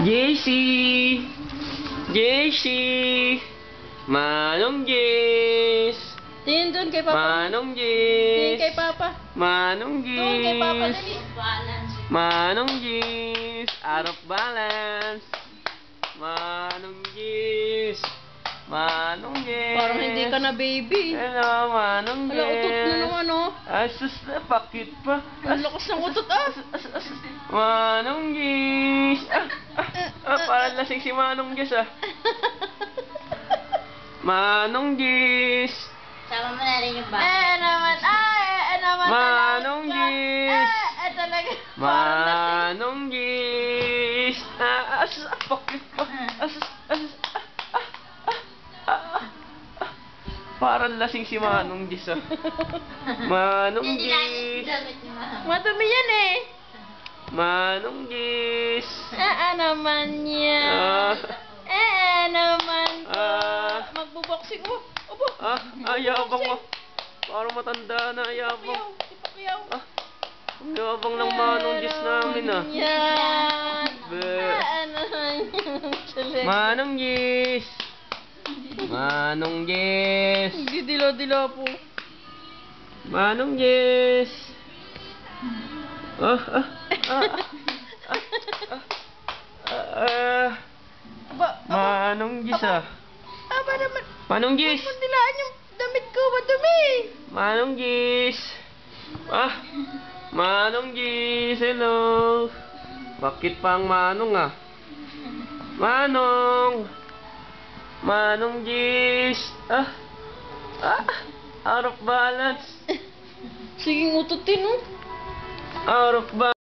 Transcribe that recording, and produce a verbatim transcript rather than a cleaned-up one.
J C! J C! Manong Jess! Tingin doon kay Papa. Manong Tingin Jess! kay Papa. Manong Doon kay Papa, Jess! dali. Manong Jess! Out of balance! Manong Jess! Manong Jess! Parang hindi ka na baby. Hello, Manong Jess! Hala, utot na naman, oh. Asus na, pakit pa. Ang lakas ng utot, ah. As, as, Manong Jess! Ah, ah, ah, parang lasing si Manong Jess, ah. Manong Jess! Sama mo na rin yung bata. Eh, naman, ay, eh, naman. Manong talaga. Jess! Eh, eh, talaga. Manong Jess! Ah, as, ah, pakit pa. As, as, ah, ah, ah, ah, ah. Parang lasing si Manong Jess, ah. Manong Hindi lang Jess! damit ni Mama. Madumi yan, eh. Manong Jess! Eh, eh, naman yan. Ah, Eh, eh, naman po. Ah. Magbuboxing mo. Opo. ah, ayabang mo. Parang matanda na, ayabang. Ipakiyaw. Ah, ang yabang ng Manong Jess namin, ah. Yan. Be. Eh, naman yan. Talaga. Manong Jess! Manong Jess! Didilo-dilo po. Manong Jess! Ah, ah, ah, ah, ah, ah, Aba, aba, Manong Jess, ah. aba naman. Manong Jess! Mandilaan yung damit ko. Madumi. Manong Jess! Ah, Manong Jess, hello! Bakit pa ang Manong, ah? Manong! Manong Jess! Ah, ah, out of balance! Sige, ututin, oh. Out of balance!